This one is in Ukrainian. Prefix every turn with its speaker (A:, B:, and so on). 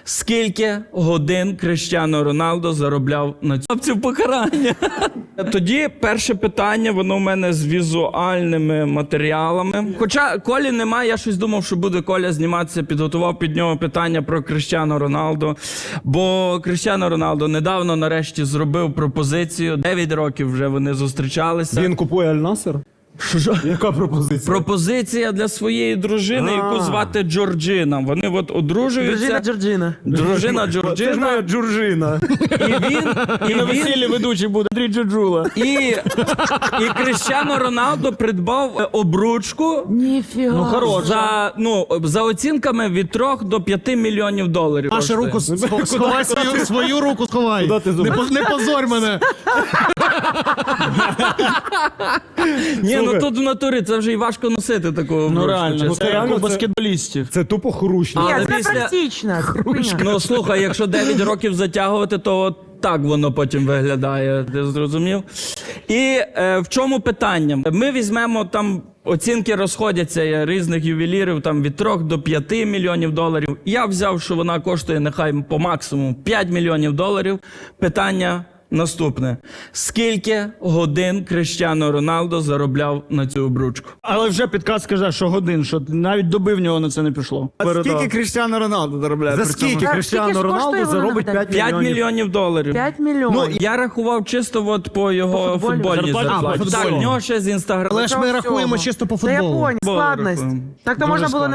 A: Скільки годин Кріштіану Роналдо заробляв на цю покарання? Тоді перше питання, воно в мене з візуальними матеріалами. Хоча Колі немає, я щось думав, що буде Коля зніматися, підготував під нього питання про Кріштіану Роналдо. Бо Кріштіану Роналдо недавно нарешті зробив пропозицію. 9 років вже вони зустрічалися.
B: Він купує Аль-Насер?
A: Що?
B: Яка пропозиція?
A: Пропозиція для своєї дружини, яку звати Джорджина. Вони от одружуються.
C: Джорджина.
A: Дружина
B: Це ж
A: Джорджина.
B: моя Джорджина.
A: І
C: На
A: він,
C: весіллі ведучий буде Андрій Джуджула.
A: і Кріштіану Роналдо придбав обручку
C: Ну,
A: за оцінками від 3 до 5 мільйонів доларів.
D: Нашу руку сховай, свою руку сховай.
B: Куди ти зуб?
D: Не позорь мене.
A: Ні, ну
B: Слухай.
A: тут в натурі це вже й важко носити таку обручку.
C: Ну реально,
A: чесно.
C: це як
B: реально
C: у
B: це-
C: баскетболістів.
B: Це тупо хрущно.
A: Але
E: Ні, це
A: після-
E: практично.
A: Ну слухай, якщо 9 років затягувати, то от так воно потім виглядає, ти зрозумів? І в чому питання? Ми візьмемо там, оцінки розходяться різних ювелірів, там від 3 до 5 мільйонів доларів. Я взяв, що вона коштує нехай по максимуму 5 мільйонів доларів. Питання наступне. Скільки годин Кріштіану Роналдо заробляв на цю обручку?
C: Але вже підказ каже, що годин, що навіть доби в нього на це не пішло.
D: Скільки Кріштіану Роналду заробляє?
B: За скільки
E: Так,
B: Кріштіану
E: скільки ж
B: Роналдо
E: коштує вона,
B: заробить
E: нагадай?
B: 5
A: 5 мільйонів доларів.
E: 5 мільйонів.
A: Ну, я рахував чисто от по його
E: По футболі?
A: футбольній
C: Зарплаті?
A: зарплаті.
D: А, по
A: Так,
D: футболу.
A: в нього ще з інстаграму.
D: Але ж ми рахуємо чисто по
E: Та я
D: футболу.
E: понял, складність.
A: рахуємо.
E: Так то можна було не